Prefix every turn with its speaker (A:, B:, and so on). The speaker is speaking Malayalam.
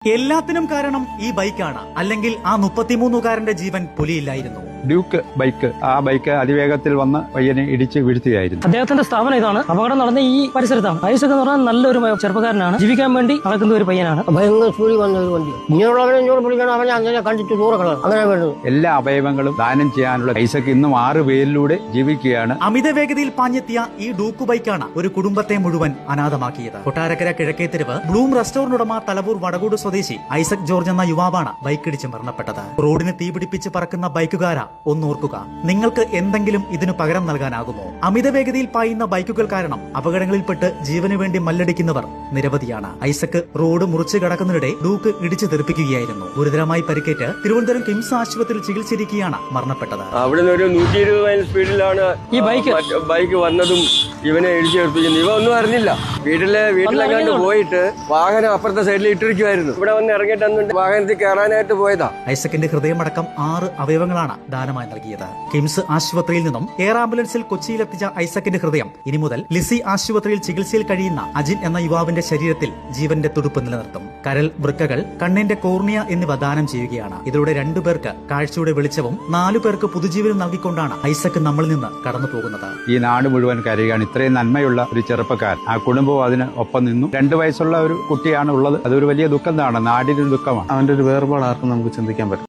A: എല്ലാത്തിനും കാരണം ഈ ബൈക്കാണ്, അല്ലെങ്കിൽ ആ 33കാരന്റെ ജീവൻ പൊലിയില്ലായിരുന്നു.
B: ഡ്യൂക്ക് ബൈക്ക്, ആ ബൈക്ക് അതിവേഗത്തിൽ വന്ന് പയ്യനെ ഇടിച്ച് വീഴ്ത്തുകയായിരുന്നു.
C: അദ്ദേഹത്തിന്റെ സ്ഥാപനം ഇതാണ്. അപകടം നടന്ന ഈ പരിസരത്താണ്. ഐസക് എന്ന് പറഞ്ഞാൽ നല്ലൊരു ചെറുപ്പക്കാരനാണ്. ജീവിക്കാൻ വേണ്ടി നടക്കുന്ന ഒരു പയ്യനാണ്.
D: ഭയങ്കര സ്പീഡിൽ വന്ന ഒരു വണ്ടി. ഇങ്ങനെയുള്ളവരെ ഇങ്ങോട്ട് പിടിക്കണം, അവനെ അങ്ങനെ കണ്ടിട്ട് ദൂരക്കണം, അങ്ങനെ വേണ്ടത്.
B: എല്ലാ അവയവങ്ങളും ദാനം ചെയ്യാനുള്ള ഐസക് ഇന്നും 6 പേരിലൂടെ ജീവിക്കുകയാണ്.
A: അമിത വേഗതയിൽ പാഞ്ഞെത്തിയ ഈ ഡൂക്ക് ബൈക്കാണ് ഒരു കുടുംബത്തെ മുഴുവൻ അനാഥമാക്കിയത്. കൊട്ടാരക്കര കിഴക്കേ തെരുവ് ബ്ലൂം റെസ്റ്റോറന്റ് ഉടമ തലവൂർ വടകൂട് സ്വദേശി ഐസക് ജോർജ് എന്ന യുവാവാണ് ബൈക്കിടിച്ച് മരണപ്പെട്ടത്. റോഡിന് തീപിടിപ്പിച്ച് പറക്കുന്ന ബൈക്കുകാര ഒന്നോർക്കുക, നിങ്ങൾക്ക് എന്തെങ്കിലും ഇതിനു പകരം നൽകാനാകുമോ? അമിത വേഗതയിൽ പായുന്ന ബൈക്കുകൾ കാരണം അപകടങ്ങളിൽപ്പെട്ട് ജീവന് വേണ്ടി മല്ലടിക്കുന്നവർ നിരവധിയാണ്. ഐസക് റോഡ് മുറിച്ച് കടക്കുന്നതിനിടെ ഡൂക്ക് ഇടിച്ചു തെറിപ്പിക്കുകയായിരുന്നു. ഗുരുതരമായി പരിക്കേറ്റ് തിരുവനന്തപുരം കിംസ് ആശുപത്രിയിൽ ചികിത്സിച്ചിരിക്കുകയാണ് മരണപ്പെട്ടത്.
E: അവിടെ നിന്ന് ഒരു 120 മൈൽ സ്പീഡിലാണ്
C: ഈ
E: ബൈക്ക് വന്നതും ഇവനെ ഇടിച്ചു തെറിപ്പിക്കുന്നത്. ഇവ ഒന്നും അറിഞ്ഞില്ല. വീട്ടിലെങ്ങാണ്ട് പോയിട്ട് വാഹനം അപ്പുറത്തെ സൈഡിൽ ഇട്ടിരിക്കുമായിരുന്നു. ഇവിടെ വന്ന് ഇറങ്ങിയിട്ട് വാഹനത്തിൽ കയറാനായിട്ട് പോയതാ.
A: ഐസക്കിന്റെ ഹൃദയമടക്കം 6 അവയവങ്ങളാണ് ദാനമായി നൽകിയത്. കിംസ് ആശുപത്രിയിൽ നിന്നും എയർ ആംബുലൻസിൽ കൊച്ചിയിലെത്തിച്ച ഐസക്കിന്റെ ഹൃദയം ഇനി മുതൽ ലിസി ആശുപത്രിയിൽ ചികിത്സയിൽ കഴിയുന്ന അജിൻ എന്ന യുവാവിന്റെ ശരീരത്തിൽ ജീവന്റെ തുടുപ്പ് നിലനിർത്തും. കരൾ, വൃക്കകൾ, കണ്ണിന്റെ കോർണിയ എന്നിവ ദാനം ചെയ്യുകയാണ്. ഇതിലൂടെ 2 പേർക്ക് കാഴ്ചയുടെ വെളിച്ചവും 4 പേർക്ക് പുതുജീവനും നൽകിക്കൊണ്ടാണ് ഐസക് നമ്മളിൽ നിന്ന് കടന്നു പോകുന്നത്.
B: ഈ നാട് മുഴുവൻ കരയുകയാണ്. ഇത്രയും നന്മയുള്ള ഒരു ചെറുപ്പക്കാരൻ, ആ കുടുംബവും അതിന് ഒപ്പം നിന്നു. 2 വയസ്സുള്ള ഒരു കുട്ടിയാണ് ഉള്ളത്. അതൊരു വലിയ ദുഃഖം, നാടിനൊരു ദുഃഖമാണ്.
F: അവന്റെ ഒരു വേർപാട് ആർക്കും നമുക്ക് ചിന്തിക്കാൻ പറ്റും.